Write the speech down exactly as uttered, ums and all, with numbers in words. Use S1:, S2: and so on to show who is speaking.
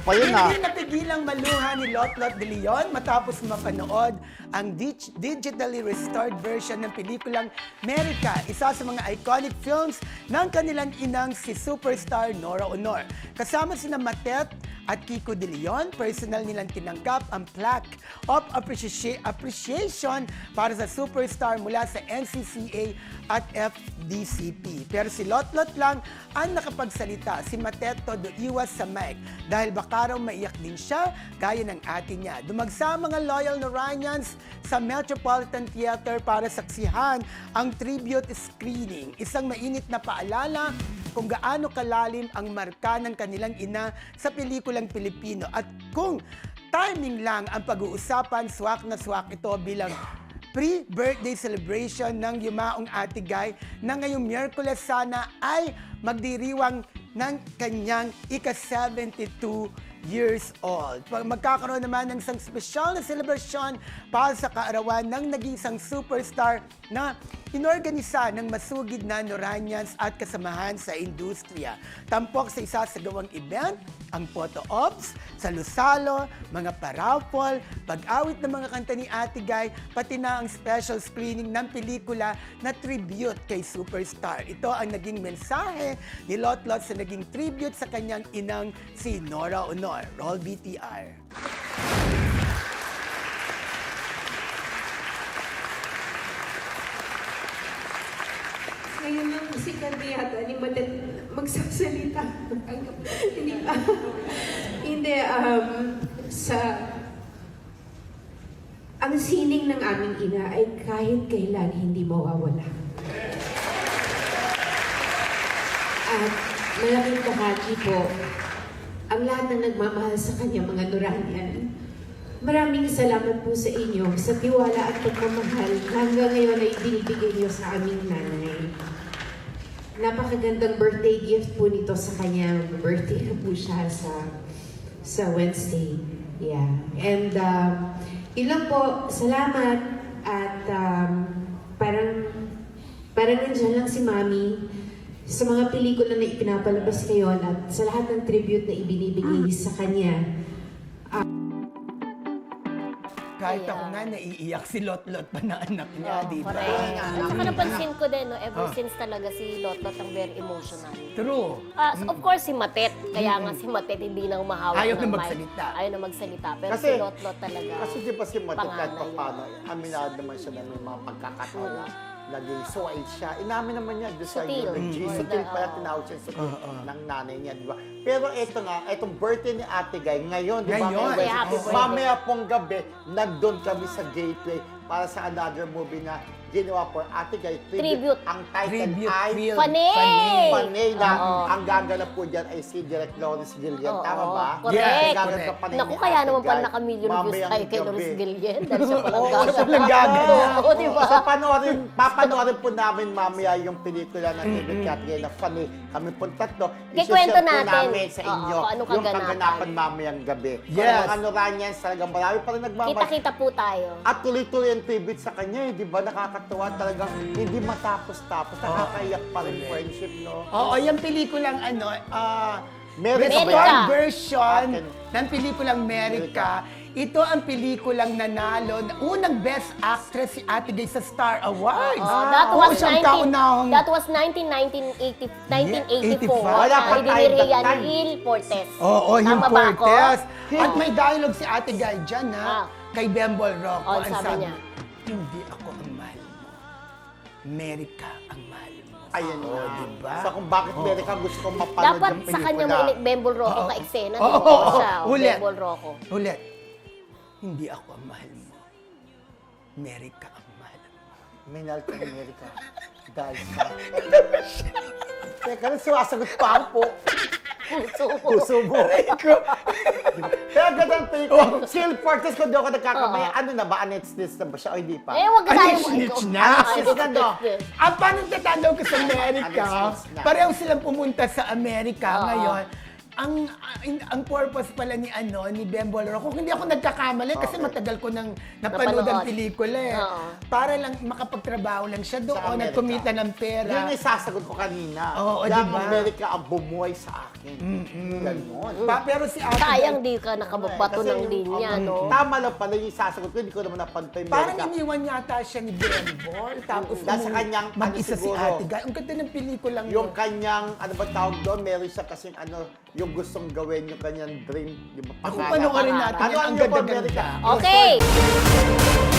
S1: pa yun ah.
S2: Hindi napigilang maluha ni Lotlot de Leon matapos mapanood ang dig- digitally restored version ng pelikulang Merica, isa sa mga iconic films ng kanilang inang si superstar Nora Honor. Kasama sina Matet at Kiko de Leon, personal nilang tinanggap ang plaque of appreci- appreciation para sa superstar mula sa N C C A at F D C P. Pero si Lotlot lang ang nakapagsalita. Si Mateto do iwas sa mic dahil baka raw maiyak din siya gaya ng ate niya. Dumagsa ang mga loyal Noranians sa Metropolitan Theater para saksihan ang tribute screening. Isang mainit na paalala kung gaano kalalim ang marka ng kanilang ina sa pelikulang Pilipino at kung timing lang ang pag-uusapan, swak na swak ito bilang pre-birthday celebration ng yumaong Ate Guy na ngayong Miyerkules sana ay magdiriwang ng kanyang ika-seventy-two years old. Magkakaroon naman ng isang special na celebration para sa kaarawan ng nag-iisang superstar na inorganisa ng masugid na Noranians at kasamahan sa industriya. Tampok sa isasagawang event, ang photo ops, salusalo, mga paraffol, pag-awit ng mga kanta ni Ate Guy, pati na ang special screening ng pelikula na tribute kay superstar. Ito ang naging mensahe ni Lotlot sa naging tribute sa kanyang inang si Nora Honor. Roll B T R.
S3: Ngayon lang si Candy yata ni Matet magsasalita. Hindi pa. Hindi, um, sa... Ang sining ng aming ina ay kahit kailan hindi mawawala. At malaking bahagi po, ang lahat ng nagmamahal sa kanya, mga Noranian. Maraming salamat po sa inyo sa tiwala at pagmamahal hanggang ngayon ay binibigay niyo sa aming nanay. Napakagandang birthday gift po nito sa kanya. Birthday na po siya sa sa Wednesday. Yeah. And um, ilang po, salamat at um, parang parang nandiyan lang si Mami sa mga pelikula na ipinapalabas ngayon at sa lahat ng tribute na ibinibigay sa kanya.
S2: Kahit
S4: Kaya-
S2: ako nga, naiiyak si Lotlot pa na anak niya,
S4: Oo,
S2: di ba?
S4: correct. At saka napansin ko din, no, ever
S2: Ah.
S4: since talaga si Lotlot ang very emotional.
S2: True.
S4: Ah, so of course, si Matet. Kaya nga si Matet hindi na humahawak
S2: Ayaw
S4: ng
S2: na
S4: mic.
S2: magsalita.
S4: Ayaw na magsalita. Pero
S1: Kasi-
S4: si Lotlot talaga.
S1: Kasi di ba si Matit kahit
S4: panganay
S1: pa paano, aminado naman siya na may mga pagkakataon na naging suway siya. Inamin naman niya doon sa
S4: Sutil.
S1: eulogy.
S4: Mm.
S1: Sutil pala
S4: Oo.
S1: tinawag siya sutil
S2: Oo.
S1: ng nanay niya, di ba? Pero ito nga, itong birthday ni Ate Guy, ngayon, di ba?
S2: Ngayon.
S1: May
S4: Happy
S1: Wednesday.
S4: birthday.
S1: Mamaya pong gabi, nandun kami sa Gateway para sa another movie na ginawa for Ate Guy.
S4: Tribute.
S1: Ang title
S2: Tribute
S1: ay
S2: film.
S4: Panay!
S1: Panay na
S4: Oo.
S1: ang gaganap po dyan ay si Direk Lawrence Gillian.
S4: Oo,
S1: Tama ba?
S4: correct.
S1: Ang gaganap
S2: Correct.
S1: ng Panay
S4: Naku,
S1: ni
S4: kaya
S1: Ate
S4: naman pala
S1: Guy.
S4: naka-million views
S1: Mamayang
S4: tayo kay
S1: gabi.
S4: Lawrence Gillian. Dahil siya palang
S1: Oo,
S4: gaganap.
S1: siya palang gaganap.
S4: Oo, di ba?
S1: So, panoorin, papanoorin po namin mamaya yung pelikula ng David Catgay na Funny. Kami po tatlo.
S4: Kikwento
S1: isi-share po
S4: natin.
S1: namin sa
S4: Oo,
S1: inyo
S4: kung anong
S1: yung
S4: kaganapan.
S1: kaganapan mamayang gabi.
S2: Yes.
S1: Kung mga Noranians, talagang marami pa rin nagmamahal.
S4: Kita-kita po tayo.
S1: At tuloy-tuloy ang tribute sa kanya, eh, di ba? Nakakatuwa talagang hindi matapos-tapos. Nakakaiyak pa rin friendship, no?
S2: Oo, yung pelikulang ano, ah,
S1: Merica
S4: ba
S2: restored
S4: yan?
S2: version
S1: Akin.
S2: ng pelikulang Merica. Ito ang pelikulang nanalo na unang Best Actress si Ate Guy sa Star Awards.
S4: Oh, that
S2: Oo,
S4: was
S2: siyang
S4: nineteen,
S2: kaunahang-
S4: that was nineteen eighty, nineteen eighty-four.
S2: eighty-five.
S1: Wala pa
S4: Ay,
S1: tayo
S4: diniri
S1: that
S4: yan
S1: time.
S4: ni Il Portes.
S2: Oo, yung
S4: Tama ba ako?
S2: Cortez. At may dialogue si Ate Guy dyan, ha?
S4: Ah.
S2: Kay Bembol Rocco.
S4: Oh,
S2: ang
S4: sabi niya.
S2: Hindi ako ang mahal mo. Merica ang mahal mo.
S1: Ayan
S2: Oo,
S1: na.
S2: diba?
S1: So kung bakit Merica gusto kong mapanood
S4: Dapat
S1: yung
S4: sa
S1: pelikula.
S4: kanya may Bembol Rocco
S2: Oo.
S4: ka-eksena.
S2: Oo,
S4: Oo,
S2: oo,
S4: siya. oh,
S2: ulit.
S4: Bembol Rocco.
S2: Ulit. Hindi ako ang mahal mo. Merica ang mahal mo.
S1: Minal ka ng Merica. Dahil sa... Teka, nang sumasagot pa ako po.
S4: Puso ko.
S1: Puso mo. Pero ganda ang pelikula. Si Il Portes, kung di ako nagkakamaya, ano na ba? Annette Snitch na ba siya o hindi pa?
S4: Eh, wag ka
S2: Ano
S4: tayo
S2: yung snitch na?
S4: Ay,
S1: Snitch na, no?
S4: snitch.
S2: Ang paano tatanaw ko sa Amerika,
S1: Ano, snitch na?
S2: pareho silang pumunta sa Amerika
S4: Oo.
S2: ngayon. ang ang, ang purpose pala ni ano ni Bembol Rocco, kung hindi ako nagkakamali kasi
S1: Okay.
S2: matagal ko nang napanood ang
S4: Napanood.
S2: pelikula eh.
S4: Oo.
S2: Para lang makapagtrabaho lang siya
S1: Sa
S2: doon,
S1: Amerika.
S2: nagkumita ng pera.
S1: Yun yung sasagot ko kanina.
S2: Oo,
S1: Kaya ang
S2: diba?
S1: Amerika ang bumuhay sa akin. Ganon.
S2: Pa, pero si Ate
S4: Sayang
S2: Bel-
S4: di ka nakababato
S1: Kasi
S4: ng
S1: yung-
S4: linya,
S1: ang-
S4: no?
S1: Tama lang pala yung sasagot ko, hindi ko naman napantay yung
S2: Parang
S1: Amerika.
S2: iniwan yata siya ni Bembol. Tapos
S1: Dahil sa
S2: umuwi-
S1: kanyang, ano
S2: mag-isa si
S1: siguro,
S2: Ate Guy. Ang ganda ng pelikulang
S1: Yung
S2: yun.
S1: kanyang, ano ba tawag doon, meron siya kasing ano, yung gustong gawin, yung kanyang dream. Di ba?
S2: Ako
S1: Pangarap.
S2: panoorin natin
S1: Ano
S2: yan.
S1: ang
S2: Ang
S1: yung
S2: ganda-ganda.
S1: Amerika?
S4: Okay!